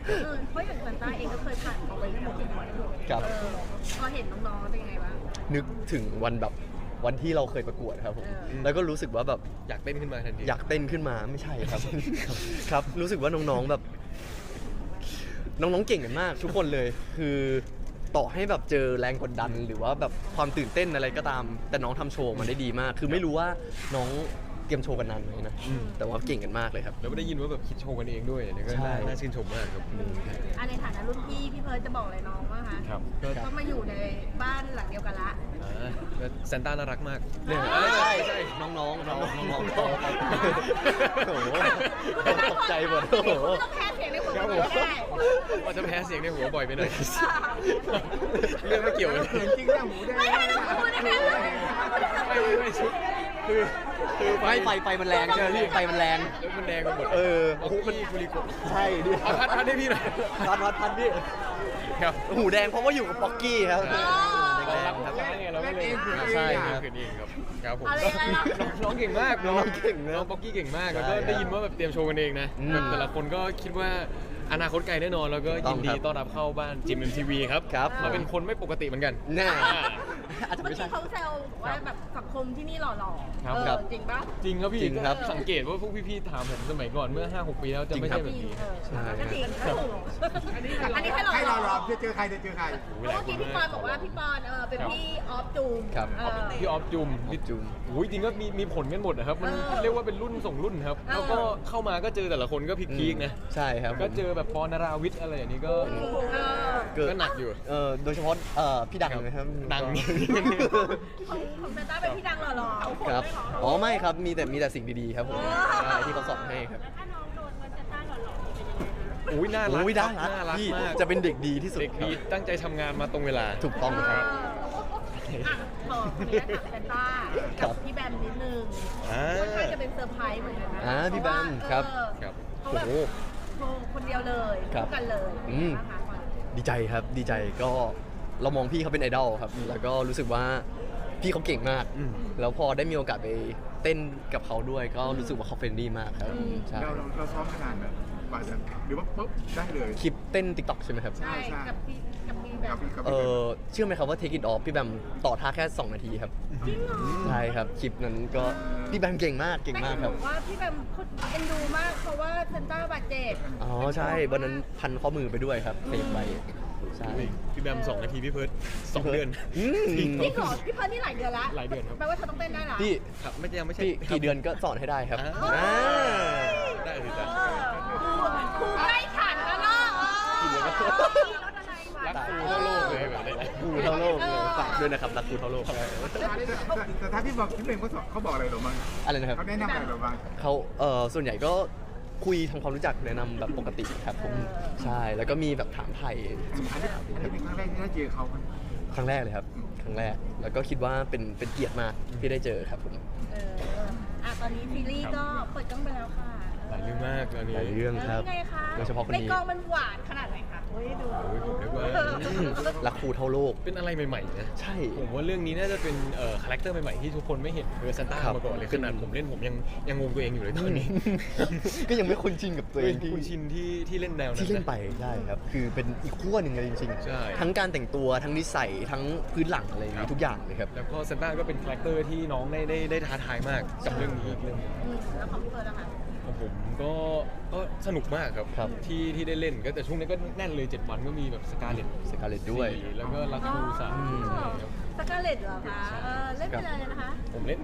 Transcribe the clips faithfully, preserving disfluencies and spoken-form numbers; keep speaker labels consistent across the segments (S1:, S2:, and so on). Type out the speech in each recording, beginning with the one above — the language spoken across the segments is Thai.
S1: เพราะอย่างซันต้าเองก็เคยผ่านเอาไว้ในหมดทุกคนครับพอเห็นน้องๆเป็นยังไงบ้าง
S2: นึกถึงวันแบบวันที่เราเคยประกวดครับผมแล้วก็รู้สึกว่าแบบ
S3: อยากเต้นขึ้นมาทันที
S2: อยากเต้นขึ้นมาไม่ใช่ครับ ครับรู้สึกว่าน้องๆแบบน้องๆเก่งกันมากทุกคนเลยคือต่อให้แบบเจอแรงกดดันหรือว่าแบบความตื่นเต้นอะไรก็ตามแต่น้องทำโชว์มันได้ดีมากคือไม่รู้ว่าน้องเตรียมโชว์กันนานไหมนะแต่ว่าเก่งกันมากเลยครับ
S3: แล้วก็ได้ยินว่าแบบคิดโชว์กันเองด้วยเนี่ยก็น่าชื่นชมมากครับ
S1: ในฐานะรุ่นพี่พี่เพิร์ดจะบอกอะไรน้องบ้างคะ
S3: ครับ
S1: ก็มาอยู่ในบ้านหลังเดียวกันละ
S3: แซนต้าน่ารักมาก
S2: เนี่ยใช่ใช่น้องๆน้องน้องน้องโอ้โหตกใจหมดโอ้โห
S1: ต้องแพ้เสียงในหัวไม่ได้
S3: ว่าจะแพ้เสียงในหัวบ่อยไปหน่อยเรื่องไม่เกี่ยวเลย
S4: จริงๆเรื่องหมูแดง
S1: ไม่ใช่น้องหมูนะแพ้
S3: ไม่ไม่ไม่ชุดคือคือ
S2: ไฟไฟไฟมันแรงใช่ไหมพี่ไฟมันแรง
S3: แล้วมันแดงไปหมด
S2: เออ
S3: โอ้โหมันคุริโกะ
S2: ใช่ดิ
S3: เอาพัดพัดให้พี่หน่อย
S2: พัดพัดพัดพี่
S3: ครับ
S2: หูแดงเพราะว่าอยู่กับป๊อกกี้ครับ
S3: แดงครับไงเราก็เลยใช่ครับคือเองครับครับผมน้องเก่งมาก
S2: น้องเก่ง
S3: น้องป๊อกกี้เก่งมากแล้วก็ได้ยินว่าแบบเตรียมโชว์กันเองนะแต่ละคนก็คิดว่าอนาคตไกลแน่นอนแล้วก็ยินดีต้อนรับเข้าบ้านจิม เอ็ม ที วี ครับมาเป็นคนไม่ปกติเหมือนกัน
S2: แน่
S1: เมื่อกี้เขาแซวว่าแบบสังคมที่นี่หล่อๆจริงปะ
S3: จริงครับพี่สังเกตว่าพวกพี่ๆถามผมสมัยก่อนเมื่อ ห้าหก ปีแล้วจะไม่ใช่แบบนี้
S2: ใช่
S1: ก็จริงอันนี้อันนี้ให้เรา
S4: ให้เรารอจะเจอใครจะเจอใคร
S1: เมื่อกี้พี่ปอนบอกว่าพี่ปอนเออเป็นพี่ออฟจูม
S3: พี่ออฟจูมพี่จูมโอ้ยจริงก็มีมีผลกันหมดนะครับมันเรียกว่าเป็นรุ่นส่งรุ่นครับแล้วก็เข้ามาก็เจอแต่ละคนก็พีคๆนะ
S2: ใช่ครับ
S3: ก็เจอแบบปอนราวิทย์อะไรอย่างนี้ก็ก็หนักอยู่
S2: เออโดยเฉพาะเอ่อพี่ดังนะครับ
S3: ดัง
S1: ของเซนต้าเป็นพี่ดังหล่อๆ
S2: ครับอ๋อไม่ครับมีแต่มีแต่สิ่งดีๆครับผมที่เขาสอนให้ครับ
S1: ถ้าน้องโดนมันเซนต้าหล่อๆเป็นยังไง
S3: โอ้ยน่ารัก
S2: น่ารักมากจะเป็นเด็กดีที่สุด
S3: เด็กดีตั้งใจทำงานมาตรงเวลา
S2: ถูกต้องครับ
S1: ขอคนนี้ถามเซนต้ากับพี่แบมนิดนึงค่อนข้างจะเป็นเซอร์ไพรส์เหมือนกันนะ
S2: อ่าพี่แบมครับ
S3: ครับ
S1: โอ้โหคนเดียวเลยคู่กันเลยนะคะ
S2: ดีใจครับดีใจก็เรามองพี่เขาเป็นไอดอลครับแล้วก็รู้สึกว่าพี่เขาเก่งมากแล้วพอได้มีโอกาสไปเต้นกับเขาด้วยก็รู้สึกว่าเขาเฟรนดี้มากครับ
S4: ใช่เราเราซ้อมขนาดแบบกว่าจะหรือว่าปุ๊บได้เลย
S2: คลิปเต้น ติ๊กต็อก ใช่ไหมครับ
S1: ใช่กับพี่กับพี่แบบ
S2: เออเชื่อไหมครับว่า Take It Off พี่แบมต่อท่าแค่สองนาทีครับ
S1: จริงเหรอ
S2: ใช่ครับคลิปนั้นก็พี่แบมเก่งมากเก่งมากครับ
S1: ว่าพี่แบมเอ็นดูมากเพราะว่าเซนต้าบาดเจ็บ
S2: อ๋อใช่วันนั้นพันข้อมือไปด้วยครับเซฟไปใช่
S3: พี่แบมสองนาทีพี่เพิร์ดสองเดือน
S1: พี่ขอพี่เพิร์ดนี่หลายเดือนละ
S3: หลายเดือนครับ
S1: แปลว่าเธอต้องเต้นได้หรอ
S2: พี่
S3: ครับไม่ยังไม่ใช่
S2: กี่เดือนก็สอนให้ได้ครับ
S3: ได้สิจ้ะ
S1: ครูใกล้ขันแล้วเนาะ
S3: รักครูเท่าโลกเลยแบบนี้
S2: ครูเท่าโลกเลยฝากด้วยนะครับรักครูเท่าโลก
S4: แต่ถ้าพี่บอกพี่เบงเขาเขาบอกอะไรหรือมั้ง
S2: อะไรนะครับ
S4: เขาแนะนำอะไรหรือมั้ง
S2: เขาเออส่วนใหญ่ก็คุยทำความรู้จักแนะนำแบบปกติครับผมใช่แล้วก็มีแบบถามไทย
S4: อันนี้อันนี้เป็นครั้งแรกที่ได้เจอเขา
S2: ครั้งแรกเลยครับครั้งแรกแล้วก็คิดว่าเป็นเป็นเกียรติมากที่ได้เจอครับผม
S1: เอออ่ะตอนนี้ซีรีส์ก็เปิดกล้องไปแล้วค่ะ
S3: หลายเรื่องมากตอนนี้
S2: หลายเรื่องครับโดยเฉพาะคนนี้
S1: ในกองมันหวานขนาดไหนคะเฮ้ยดู
S3: โอ้ยผมเรียกว่า
S2: รักครูเท่าโลก
S3: เป็นอะไรใหม่ๆนะ
S2: ใช่
S3: ผมว่าเรื่องนี้น่าจะเป็นเอ่อคาแรคเตอร์ใหม่ๆที่ทุกคนไม่เห็นเออซันต้ามาก่อนเลยขนาดผมเล่นผมยังยังงงตัวเองอยู่เลยตอนนี้
S2: ก็ยังไม่คุ้นชินกับตัวเอง
S3: ที่คุ้นชินที่ที่เล่นแนวนั้น
S2: ที่เล่นไปใช่ครับคือเป็นอีกขั้วหนึ่งเลยจริงๆทั้งการแต่งตัวทั้งนิสัยทั้งพื้นหลังอะไรทุกอย่างเลยครับ
S3: แล้วก็ซันต้าก็เป็นคาแรคเตอร์ที่น้องได้ได้ได้ท้าทายมากกับเรื่องนี้เรื่อง
S1: แล้วของพี่เฟิร์นนะคะ
S3: ของผมก็ก็สนุกมากครับที่ที่ได้เล่นก็แต่ช่วงนี้ก็แน่นเลยเจ็ดวันก็มีแบบสกาเลต
S2: สกาเลตด้วย
S3: แล้วก็ลักคูสาม
S1: สกาเลตเหรอคะเออเล่นไปเลยนะคะ
S3: ผมเล่น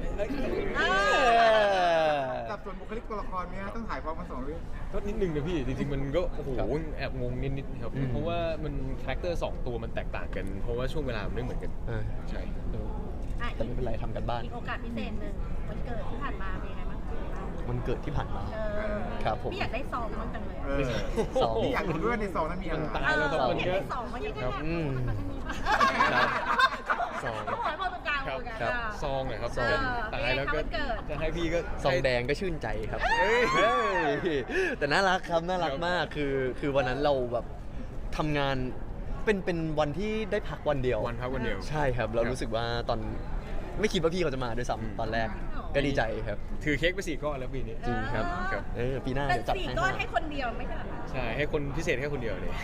S4: กับส่วนบุคลิกตัวละครเนี้ยต้องถ่ายพร้อมกันสองเรื่อง
S3: ก็นิดนึงนะพี่จริงๆมันก็โอ้โหแอบงงนิดๆครับเพราะว่ามันคาแรคเตอร์สองตัวมันแตกต่างกันเพราะว่าช่วงเวลามันไม่เหมือนกันใช่
S2: แต่ไม่เป็นไรทำกันบ้าน
S1: อีกโอกาสพิเศษหนึ่งวันเกิดที่ผ่านมาเป็นยังไงบ้าง
S2: วันเกิดที่ผ่านมาครับผม
S1: พี่อยากได้ซองมันจังเลย
S4: ซองพี่อยากรู้ด้วยในซองนั้นมีอะไร
S3: ตายแล้วครับมันก็
S1: ซองมันยังไง
S3: ซอง
S1: ขอให้มองตรงกลาง
S3: ครับซองเหรอครับซองตายแล้วก็จะให้พี่ก็
S2: ซองแดงก็ชื่นใจครับแต่น่ารักครับน่ารักมากคือคือวันนั้นเราแบบทำงานเป็นเป็นวันที่ได้พักวันเดียว
S3: วันพักวันเดียว
S2: ใช่ครับเรารู้สึกว่าตอนไม่คิดว่าพี่เขาจะมาด้วยซ้ำตอนแรกก็ดีใจครับ
S3: ถือเค้กไปสี่ก้อนแล้วปีนี้
S2: จริงครับ
S3: ครับ
S2: เออปีหน้า
S1: แต่
S2: เดี๋ยวจัด
S1: สี่
S2: ให้
S1: ก้อนให้คนเดียวไม่ใช่เหรอคะ
S3: ใช่ให้คนพิเศษแค่คนเดียวเลย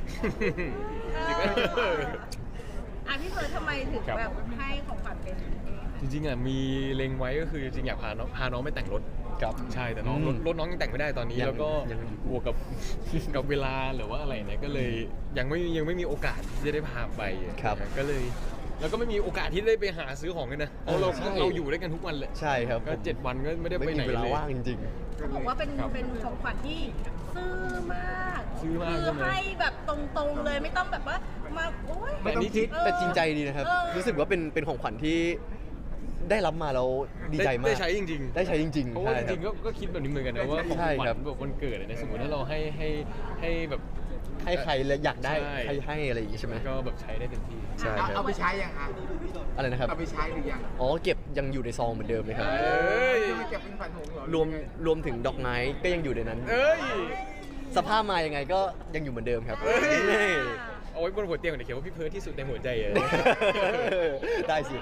S1: เอออ่ะพี่เฟิร์นทำไมถึง
S3: ครับ
S1: แบบให้ของขวัญเป็นเองคะ
S3: จริงๆอ่ะมีเล็งไว้ก็คือจริงๆอยากพาน้องพาน้องไปแต่งรถ
S2: ครับ
S3: ใช่แต่น้อง
S2: อืม
S3: รถรถน้องยังแต่งไม่ได้ตอนนี้
S2: ยัง
S3: แล้วก็
S2: ยัง
S3: บวกกับ กับเวลาหรือว่าอะไรเนี่ยก็เลยยังไม่ยังไม่มีโอกาสที่จะได้พาไป
S2: ครับ
S3: ก็เลยแล้วก็ไม่มีโอกาสที่ได้ไปหาซื้อของกันนะเพราะเรา
S2: ใช่
S3: เราอยู่ด้วยกันทุกวันเลย
S2: ใช่ครับ
S3: ก็
S2: ผม
S3: เจ็ดวันก็ไม่ได้ไป
S2: ไม่
S3: ไหน
S2: มีเวลา
S3: เลย
S2: ว่างจริง
S1: เขาบอกว่าเป็น
S3: ครับ
S1: เป็นของขวัญที่ซื่อมาก
S3: ซื่อมาก
S1: คื
S3: ใช่ไหม
S1: ให้แบบตรงๆเลยไม่ต้องแบบว่ามาโอ๊ย
S3: แต่นี่จริง
S1: เออ
S2: ๆ แต่จริงใจดีนะครับ
S1: เออ
S2: รู้สึกว่าเป็นเป็นของขวัญที่ได้รับมาแล้วดีใจมาก
S3: ได้ใช้จริงๆ
S2: ได้ใช้จริง
S3: เพ
S2: ๆ
S3: ราะว่า
S2: ใช่
S3: จ
S2: ค
S3: ริงๆ
S2: บ
S3: ก็ก็คิดแบบนี้เหมือนกันนะว่าของ
S2: ใช่
S3: ขวัญ
S2: ครับ
S3: แบบวันเกิดเนี่ยสมมติถ้าเราให้ให้ให้แบบ
S2: ให้ใครแล้วอยากได้
S3: ใช่
S2: ให้ให้อะไรอย่างงี้ใช่ไหม
S3: ก็แบบใช้ได้เต็มที่
S2: ใช่
S4: เอา
S2: ครับ
S4: เอาไปใช้ยังครับ
S2: อะไรนะครับ
S4: เอาไปใช้หรือยัง
S2: อ๋อเก็บยังอยู่ในซองเหมือนเดิมเลยครับ
S3: เอ้ย
S4: จะเก็บเป็นฝันหงส์เหรอ
S2: รวมรวมถึงดอกไม้ก็ยังอยู่ในนั้น
S3: เอ้ย
S2: สภาพมายังไงก็ยังอยู่เหมือนเดิมครับ
S3: เอ้ย
S2: นี่
S3: เอาไว้บนหัวเตียงก่อนเดี๋ยวเขียนว่าพี่เพิร์ทที่สุดในหัวใจอะ
S2: ได้สิ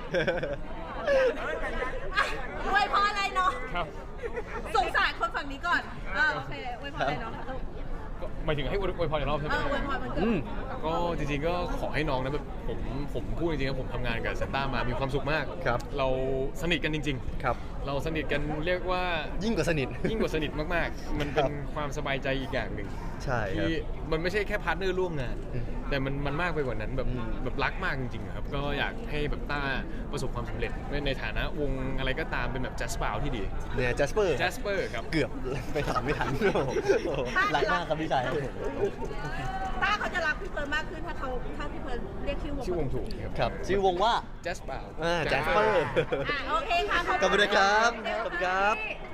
S1: อวยพรอะไรเนาะ
S3: ครับ
S1: สงสารคนฝั่งนี้ก่อนเออโอเคอวยพรอะไรเนาะ
S3: ก็หมายถึงให้อวยพรอีกรอบใช่ไห
S1: เอ
S3: ม
S1: ออวยพรมันเกิด
S2: อืม
S3: ก็จริงๆก็ขอให้น้องนะแบบผมผมพูดจริงๆนะผมทำงานกับเซนต้ามามีความสุขมาก
S2: ครับ
S3: เราสนิทกันจริง
S2: ครับ
S3: ๆ เราสนิทกันเรียกว่า
S2: ยิ่งกว่าสนิท
S3: ยิ่งกว่าสนิทมากๆ มันเป็นความสบายใจอีกอย่างหนึ่ง
S2: ใช่ครับ
S3: ที่มันไม่ใช่แค่พาร์ทเนอร์ร่วมงาน
S2: อืม
S3: แต่มันมันมากไปกว่านั้นแบบ
S2: อืม
S3: แบบรักมากจริงๆครับ ก็อยากให้แบบต้าประสบความสำเร็จในในฐานะวงอะไรก็ตามเป็นแบบจัสเปาที่ดี
S2: เนี่ยจัสเปอร์
S3: จัสเปอร์ครับ
S2: เกือบไปถามไม่ทันโอ้โหรักมากครับพี่ชาย
S1: ต้าเขาจะรักพี่เพิร์นมากขึ้นถ้าเขาถ้าพี่เพิร์นเรียกชื่อวง
S3: ชื่อวงถูกครับ
S2: ครับ ชื่อวงว่า
S3: จัสเปา
S2: อ่า Jasper
S1: อ่ะโอเคค่ะ
S2: ขอบคุณนะครับ
S1: เดี๋ยว
S2: ขอบคุณครับ
S1: พี่